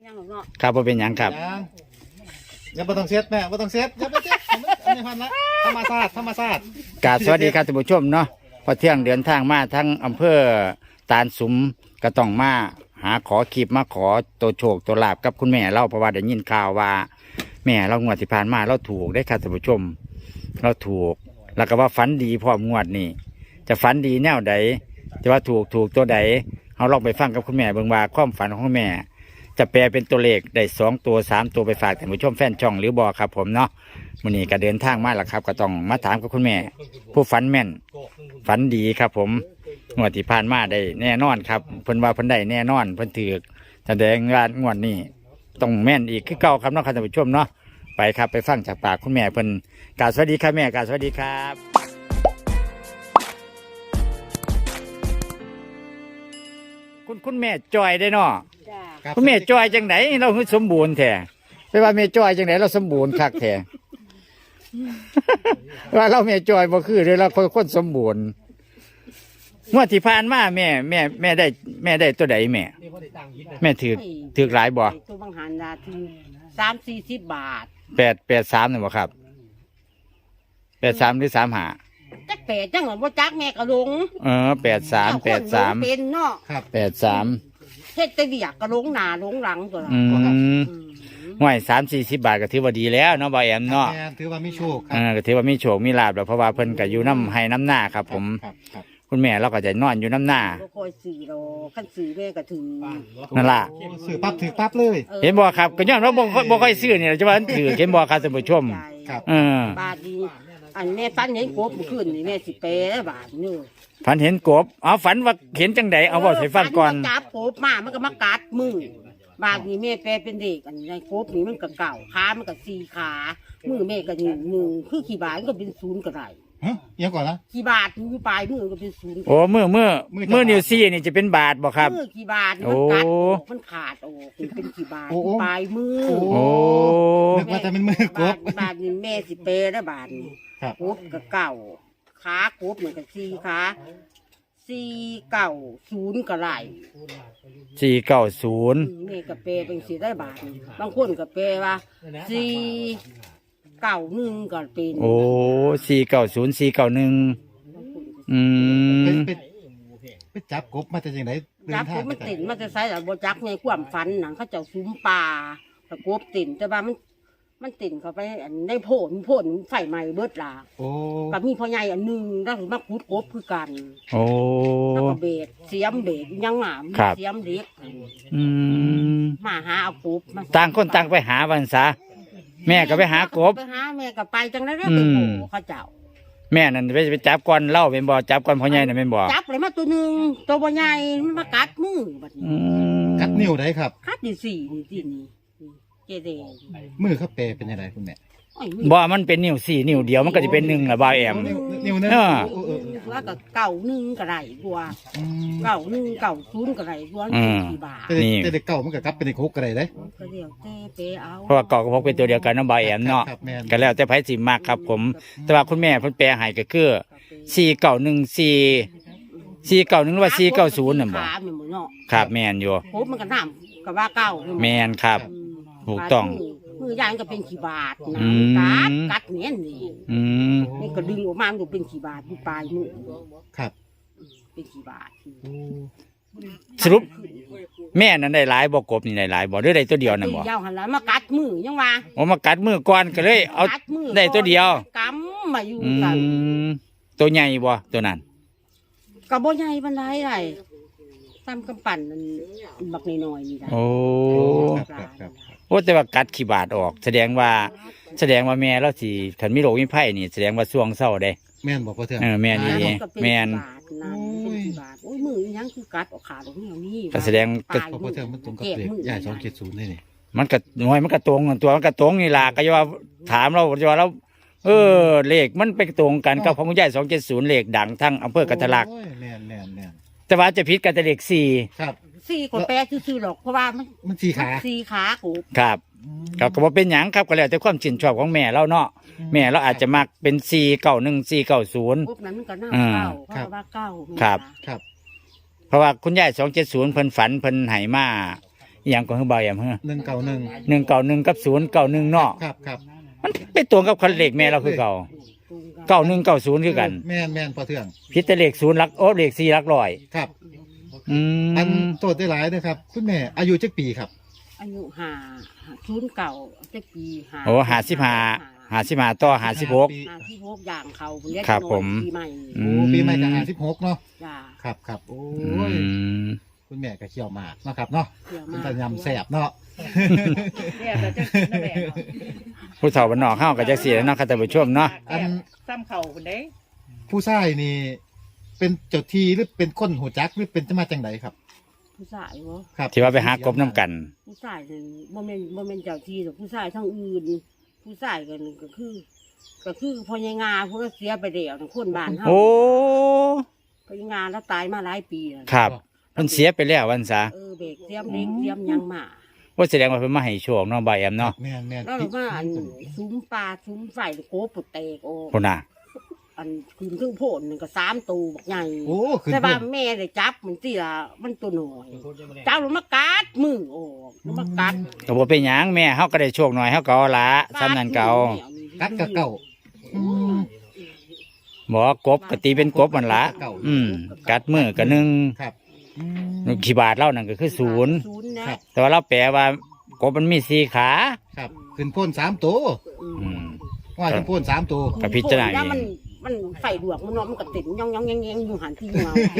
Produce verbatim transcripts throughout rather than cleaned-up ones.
ครับบ่เป็นหยังครับอย่าบ่ต้องเซ็ตแม่บ่ต้องเซ็ตอย่าไปเซ็ตอันนี้พันละธรรมชาติธรรมชาติกราบสวัสดีครับท่านผู้ชมเนาะพอเที่ยงเดินทางมาทั้งอำเภอตาลสุมก็ต้องมาหาขอคลิปมาขอตัวโชคตัวลาบกับคุณแม่เราเพราะว่าได้ยินข่าวว่าแม่เรางวดที่ผ่านมาเราถูกได้ครับท่านผู้ชมเราถูกแล้วก็ว่าฝันดีพร้อมงวดนี้จะฝันดีแนวใดจะว่าถูกถูกตัวใดเราลองไปฟังกับคุณแม่เบิ่งว่าความฝันของคุณแม่จะแปลเป็นตัวเลขได้สองตัวสามตัวไปฝากท่านผู้ชมแฟนช่องหรือบอครับผมเนาะวันนี้ก็เดินทางมาแล้วครับก็ต้องมาถามกับคุณแม่ผู้ฝันแม่นฝันดีครับผมงวดที่ผ่านมาได้แน่นอนครับเพิ่นว่าเพิ่นได้แน่นอนเพิ่นถือแสดงว่างวดนี้ต้องแม่นอีกคือเก่าครับเนาะท่านผู้ชมเนาะไปครับไปฟังจากปากคุณแม่เพิ่นกราบสวัสดีครับแม่กราบสวัสดีครับคุณคุณแม่จอยได้เนาะคุณแม่จอยจังไหนเราคือสมบูรณ์แท้ไปว่าแม่จอยจังไหนเราสมบูรณ์คักแท้ ว่าเราแม่จอยบ่คือเลยเราคนคนสมบูรณ์งวดที่ผ่านมาแม่แม่แม่ได้แม่ได้ตัวใดแม่แม่ถือถือหลายบ่ตัวบางหันดาถือสามสี่สิบบาทแปดแปดสามนี่บ่ครับแปดสามหรือสามห้าจักแปดจังหวะว่าจักแม่กระลงเออแปดสามแปดสามเป็นเนาะแปดสามเฮ็ดแต่เบียกกระลงหน้าลงหลังตัวละอืมห่วยสามสี่สิบบาทก็ถือว่าดีแล้วเนาะบ่แอมเนาะถือว่ามีโชคเออก็ถือว่ามีโชคมีลาภแล้วเพราะว่าเพิ่นก็อยู่น้ำให้น้ำหน้าครับผมคุณแม่เราก็จะนอนอยู่น้ำหน้าบ่ค่อยซื้อดอกคันซื้อแม่ก็ถือนั่นล่ะซื้อปั๊บถือปั๊บเลยเห็นบ่ครับก็ย้อนว่าบ่บ่ค่อยซื้อนี่จะว่าถือเห็นบ่ครับท่านผู้ชมเออบาทนี้อันแม่ฝันเห็นกบเมื่อคืนนี่แม่สิแปลบาทนึงฝันเห็นกบเอาฝันว่าเห็นจังใดเอาเว้าให้ฟังก่อนจับกบมามันก็มากัดมือบางนี่แม่แปลเป็นเด็กอันในกบนี่มันก็เก่าขามันก็สี่ขามือแม่ก็หนึ่งหนึ่งคือขี่บาทมันก็เป็นศูนย์ก็ได้ฮะยังก่อนนะขี่บาทอยู่ปลายมือก็เป็นศูนย์โอ้มือมือมือนิ้วซี่นี่จะเป็นบาทบ่ครับมือขี่บาทมันกัดมันขาดโอ้เป็นขี่บาทปลายมือโอ้นึกว่าจะเป็นมือกบบาทนี่แม่สิเปแล้วบาทนี่กบก็เก่าขากบเหมือนกับสี่ขาสี่เก่าศูนย์ก็ไหลสี่เก้าศูนย์แม่ก็เปเป็นสี่ได้บาทบางคนก็เปว่าสี่เก่าหนึ่งก็เป็นโอ้สี่เก้าศูนย์สี่เก้าหนึ่งอืมไปจับกบมาจากไหนจับกบมันติ่นมันจะใส่แต่โบจักไงความฟันหนังเขาเจ้าซุ้มปลาแต่กบติ่นแต่ว่ามันมันติ่นเข้าไปอันได้โผล่โผล่ไฟไหม้เบิดล่ะโอ้กับมีพ่อใหญ่อันหนึ่งแล้วถึงมาขุดกบคือกันโอ้แล้วก็เบ็ดเสียมเบ็ดยังหมาเสียมเล็กอืมมาหาเอากบต่างคนต่างไปหาวันซะแม่ก็ไปหากบไปหาแม่ก็ไปจังได้แล้วไปโผล่เขาเจ้าแม่นั่นไปไปจับก้อนเล่าเป็นบ่อจับก้อนพ่อใหญ่น่ะเป็นบ่อจับเลยมาตัวหนึ่งตัวพ่อใหญ่มันมากัดมือบัดนี้กัดนิ้วได้ครับกัดที่สี่นี่ที่นี่เจเดมือเขาเปเป็นยังไงคุณแม่บ่มันเป็นนิ้วสี่นิ้วเดียวมันก็จะเป็นหนึ่งละบ่าวแอมนิ้วนึงว่าก็เก่าหนึ่งก็ได้กว่าเก่าหนึ่งเก่าศูนย์ก็ได้กว่าสี่บาทนี่แต่เก่ามันก็กลับเป็นคุกก็ได้เลยเพราะว่าเก่ากับพกเป็นตัวเดียวกันน้องบ่าวแอมเนาะก็แล้วแต่ไผสิมากครับผมแต่ว่าคุณแม่เพิ่นแปลให้ก็คือสี่เก้าหนึ่งสี่สี่เก้าหนึ่งหรือว่าสี่เก้าศูนย์น่ะบ่ครับแม่นอยู่โหมันก็น้ำก็ว่าเก่าแม่นครับถูกต้องมือยางก็เป็นขี้บาทนะกัดกัดเนี้ยนี่นี่ก็ดึงออกมามันก็เป็นขี้บาทอยู่ปลายมือครับเป็นขี้บาทสรุปแม่นั้นได้หลายบ่กบนี่ได้หลายบ่หรือได้ตัวเดียวนั่นบ่ยาวหันแล้วมากัดมือยังว่าโอ้มากัดมือก่อนก็เลยเอาได้ตัวเดียวกำมาอยู่กันตัวใหญ่บ่ตัวนั้นก็บ่ใหญ่ปานใดได้ตามกำปั่นมันบักน้อยๆนี่ได้โอ้โอ้แต่ว่ากัดขี้บาดออกแสดงว่าแสดงว่าแม่เราสิถ้ามีโรคมีภัยนี่แสดงว่าช่วงเศร้าได้แม่นบ่พ่อเทื่องเออแม่นนี่แม่นโอ้ยมือยังคือกัดออกขาตรงนี้นี่ก็แสดงก็พ่อเทื่องมันตรงกับเลขใหญ่สองเจ็ดศูนย์นี่นี่มันก็หน่วยมันก็ตรงตัวมันก็ตรงนี่ล่ะก็จะว่าถามเราจะว่าเราเออเลขมันไปตรงกันกับของคุณยายสองเจ็ดศูนย์เลขดังทั้งอำเภอกันทะลักแม่นแม่นแม่นแต่ว่าจะผิดกันแต่เลขสี่ครับสี่คนแปลซื่อๆหรอกเพราะว่ามันมันสี่ขาสี่ขากูครับก็ก็บ่เป็นหยังครับก็แล้วแต่ความชื่นชอบของแม่เราเนาะแม่เราอาจจะมักเป็นสี่เก้าหนึ่งสี่เก้าศูนย์พวกนั้นมันก็น่าเก้าเพราะว่าเก้าครับครับเพราะว่าคุณยายสองเจ็ดศูนย์เพิ่นฝันเพิ่นไหมาอหย่างของเบาแอมเฮ้อหนึ่งเก้าหนึ่งหนึ่งเก้าหนึ่งกับศูนย์เก้าหนึ่งเนาะครับครับมันเป็นตัวกับคันเลขแม่เราคือเก่าเก้าหนึ่งเก้าศูนย์คือกันแม่นแม่นพอเทื่องพิจารเลขศูนย์หลักโอ้เลขสี่หลักร้อยครับอือันมโตดได้หลายนะครับ คุณแม่อายุจักปีครับอายุห้าศูนย์เก่าจะปีห้าโอ้หาสิบห้าหาสิบห้าต่อหาสิบหกห้าที่พกอย่างเขาเรียกครับผมปีใหม่อืโอ้ปีใหม่ก็ห้าสิบหกเนาะจ้าครับครับโอ้อืยมคุณแม่ก็เคี่ยวหมากเนาะครับเนาะเกี่ยวมันมาจะกยำแสบเนาะเนี่ยเราจะกินนั่นแหละผู้เฒ่าบ้านนอกเข้ากับจักเสียเนาะค่ะท่านผู้ชมเนาะอันซ้ำเข่าคนเด้ผู้ชายนี่ เป็นเจ้าที่หรือเป็นคนหัวจักหรือเป็นจะมาจังไดครับผู้ชายวะครับที่ว่าไปหากบน้ำกันผู้ชายนี่บ่แม่นบ่แม่นเจ้าที่หรอกผู้ชายทั้งอื่น ผู้ชายกันก็คือ ก็คือพญางาผู้เสียไปเดียวทั้งคนบ้านเฮาโอ้พญางาแล้วตายมาหลายปีแล้วครับมันเสียไปแล้ววันซะเออเบรกเสียมเล็กเสียมหยังมาว่าแสดงว่าเพิ่นมาให้โชคเนาะบ่าวแอมเนาะแม่นแม่นแล้วเรามาอันซุ้มปลาซุ้มไฟโคปุแตกโอ้พุ่นน่ะอันคืนครึ่งโพนหนึ่งก็สามตัวบักใหญ่โอ้คือแต่ว่าแม่ได้จับมันสิละมันตัวหน่อยเจ้าลงมากัดมือโอ้ลงมากัดก็บ่เป็นหยังแม่เฮาก็ได้โชคหน่อยเฮาก็เอาละซ้ำนั้นเก่ากัดกับเก่าอืมบ่กบก็ตีเป็นกบมันละอืมกัดมือก็หนึ่งครับอืมขี้บาทเล่านั่นก็คือศูนย์ศูนย์นะครับแต่ว่าเราแปลว่ากบมันมีสี่ขาครับขึ้นโพ่นสามตัวอืมว่าขึ้นโพ่นสามตัวกับพิจารณาเองแล้วมันมันไฟดวกมันเนาะมันกระตินย่องย่องแยงแยงอยู่หันที่เงาเก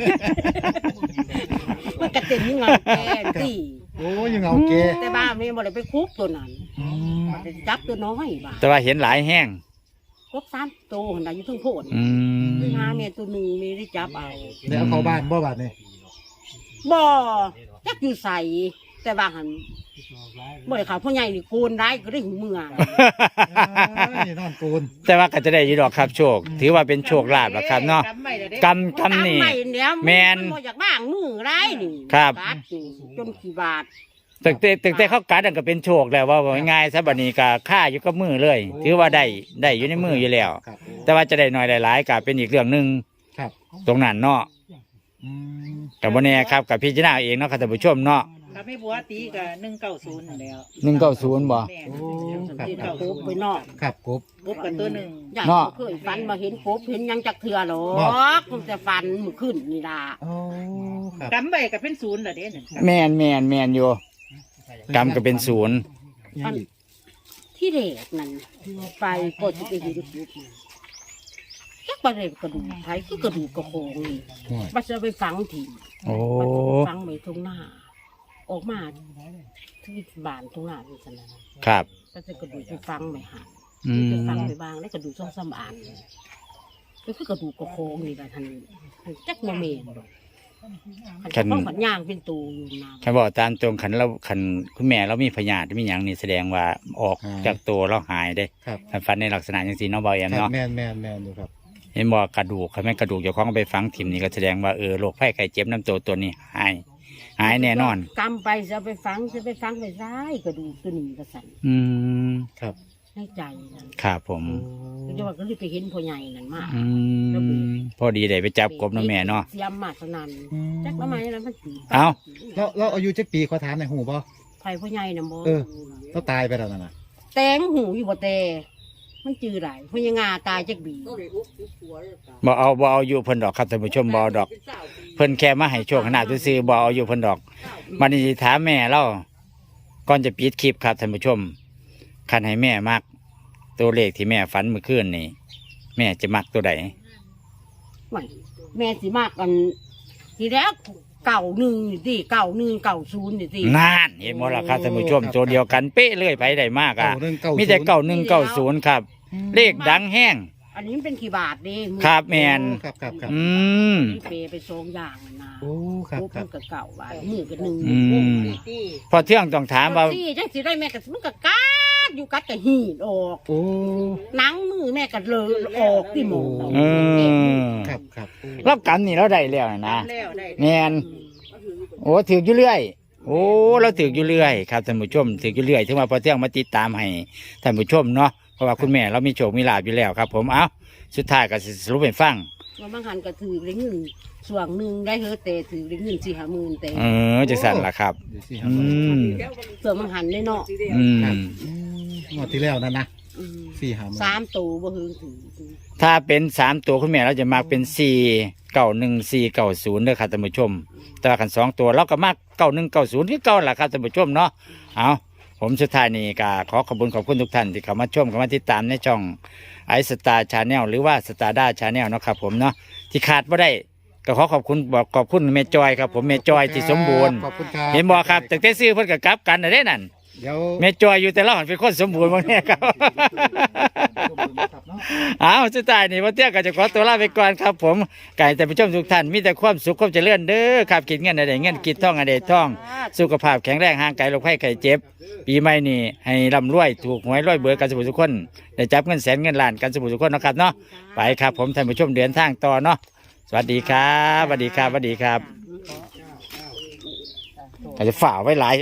มันกระตินเงาแกที่โอ้ยยังเอาเกแต่บ้าแม่บ่ได้ไปคุบตัวนั้นอืมมันได้จับตัวน้อยบ้าแต่ว่าเห็นหลายแห้งครบสามตัวหันได้อยู่ทั้งโพนอืมหาแม่ตัวหนึ่งไม่ได้จับเอาเดี๋ยวเอาเข้าบ้านบ่บาดนี่บ่จักอยู่ใส่แต่ว่าหันบ่ได้เขาพ่อใหญ่นี่โกนได้ก็ได้หูเมืองนี่นอนโกนแต่ว่าก็จะได้อยีดอกครับโชค ถือว่าเป็นโชคลาภละครับเนาะกำไม่ได้เด้กำกำนี่ไม่เดี๋ยวแม่นบ่อยากบ้างมือไรนี่ครับกัดนี่จนกี่บาทตึกแต่ตึกแต่เขากัดนั่นก็เป็นโชคแล้วว่าง่ายๆซะบัดนี้ก็ค่าอยู่กับมือเลย ถือว่าได้ได้อยู่ในมืออยู่แล้วครับแต่ว่าจะได้น้อยได้หลายก็เป็นอีกเรื่องหนึงครับตรงนั้นเนาะอืมกับบ่แน่ครับกับพิจารณาเองเนาะครับท่านผู้ชมเนาะถ้าไม่บัวตีกับหนึ่งเก้าศูนย์แล้วหนึ่งเก้าศูนย์บ่แม่โอ้ครับที่ครัเขาบโคบไปนอกครับกบกบกับตัวหนึ่งอยากเนาะเคยฟันมาเห็นโคบเห็นหยังจักเถื่อหรอเนาะกมันจะฟันมือขึ้นนี่ล่ะโอ้ครับกำไปกับเป็นศูนย์เหรอเด้หนึ่งแม่นแม่นแม่นอยู่กรรมก็เป็นศูนย์ยังอีกที่เด็กนั่นไปก็จะไปเห็นโคบจักประเด็นกระดูกไผคือกระดูกกระโคงนี่ห่วยมันจะไปฝังถิ่นโอ้มันฝังไว้ตรงหน้า ออกมาที่บ้านตรงหน้านี่สนะครับ ก็จะกระดูกไปฝังไม่หันอืมไปฝังไปบางแล้วกระดูกช่องสมานก็คือกระดูกกระโคงนี่แหละท่านจักโมเมนขันต้องขันย่างเป็นตูอยู่นาคันบอกตามตรงขันเราขันคุณแม่เรามีพยาธิมีหยังนี่แสดงว่าออกจากตัวเราหายได้ครับคันฟันในลักษณะอย่างสีเนาะเบาแอมครับเนาะแมนแมนแมนอยู่ครับเห็นบอกกระดูกคันแม่นกระดูกเจ้าของเอาไปฝังถิ่มนี่ก็แสดงว่าเออโรคไข้ไข้เจ็บน้ำตัวตัวนี้หายหายแน่นอนกำไปจะไปฝังจะไปฝังไปซ้ายกระดูกตัวนี้ก็สั่นอืมครับในใจนั่นครับผมก็จะว่าก็เลยไปเห็นพ่อใหญ่นั่นมากอืมพอดีได้ไปจับกบเนาะแม่เนาะเสียมมาสนั่นจักละไม้นั้นมันตีเอ้าเราเราอายุจักปีขอถามหน่อยหูบ่ไผ่พ่อใหญ่น่ะบ่เออ เราตายไปแล้วนั่นน่ะแตงหูอยู่บ่แต่มันจือหลายพ่อยังงาตายจักบีบ่เอาบ่เอาอยู่เพิ่นดอกครับท่านผู้ชมบ่เอาดอก เพิ่นแค่มาให้โชคขนาดซื่อๆบ่เอาอยู่เพิ่นดอกมันนี่สิถามแม่เราก่อนจะปิดคลิปครับท่านผู้ชมคันให้แม่มัก ตัวเลขที่แม่ฝันเมื่อคืนนี่แม่จะมักตัวใดไม่แม่สิมากกัน ทีแรกเก่าหนึ่งนี่สิเก่าหนึ่งเก่าศูนย์นี่สินานเห็นบ่ล่ะครับท่านผู้ชมตัวเดียวกันเป๊ะเลยไปได้มากอ่ะเก้าหนึ่งเก้ามีแต่เก้าหนึ่งเก้าศูนย์ครับ เลขดังแห้งอันนี้มันเป็นกี่บาทเด้ครับแม่นครับครับครับอืมมีเปไปสองอย่างนั่นนะโอ้ครับโอ้ครัเพิ่บนก็เก่าบาทมือก็หนึ่งอืมพอเที่ยงต้องถามว่าสี่จังสิได้แม่ก็มันก็กัดอยู่กัดก็หีดออกโอ้หนังมือแม่ก็เลยออกที่หมอเออครับครับโอ้เรากันนี่เราได้แล้วนะแล้วได้แม่นโอ้ถืออยู่เรื่อย โอ้เราถืออยู่เรื่อยครับท่านผู้ชมถืออยู่เรื่อยถึงว่าพอเที่ยงมาติดตามให้ท่านผู้ชมเนาะเพราะว่าคุณแม่เรามีโชคมีลาภอยู่แล้วครับ ผมเอ้าสุดท้ายก็สิสรุปให้ฟังว่าบางหันก็ถือได้เงินส่วนหนึ่งได้เฮอแต่ถือได้เงินสี่ห้าหมื่นแต่เออจังสั่นล่ะครับเดี๋ยวสิคอืรับมส่วนบางหันได้เนาะอืมอืมงวดที่แล้วนั่นนะอืมสี่หาหมื่นสามตัวบ่เฮงถือถ้าเป็นสามตัวคุณแม่เราจะมากเป็นสี่เก้าหนึ่งสี่เก้าศูนย์เด้อครับท่านผู้ชม แต่ว่ากันสองตัวเราก็มากเก้าหนึ่งเก้าศูนย์ที่เก้าล่ะครับท่านผู้ชมเนาะเอาผมสุดท้ายนี่ก็ขอขอบคุณขอบคุณทุกท่านที่เข้ามาชมเข้ามาติดตามในช่องไอสตาร์ชาแนลหรือว่าสตาร์ด้าชาแนลนาะครับผมเนาะที่ขาดไม่ได้ก็ขอขอบคุณบอกขอบคุณเมจอยครับผมเมจอยที่สมบูรณ์ขอบคุณครับเห็นบอกครับแต่แต่ซื้อเพิ่นก็กลับกันนะเด้นั่นเดี๋ยวเมจอยอยู่แต่ละหันเป็นคนสมบูรณ์บางเนี่ยครับ เอาสุดท้ายนี่วันเที่ยงก็จะขอตัวลาไปก่อนครับผมไก่แต่ผู้ชมทุกท่านมีแต่ความสุขความเจริญเด้อครับกินเงินอะไรเงินกินท่องอะไรท่อง สุขภาพแข็งแรงห่างไกลโรคภัยไข้เจ็บ ปีใหม่นี่ให้ร่ำรวยถูกหวยรวยเบอร์กันสมุทุกคนได้จับเงินแสนเงินล้านกันสมุทุกคนเนาะครับเนาะไปครับผมท่านผู้ชมเดินทางต่อเนาะสวัสดีครับสวัสดีครับสวัสดีครับก็จะฝ่าไว้หลาย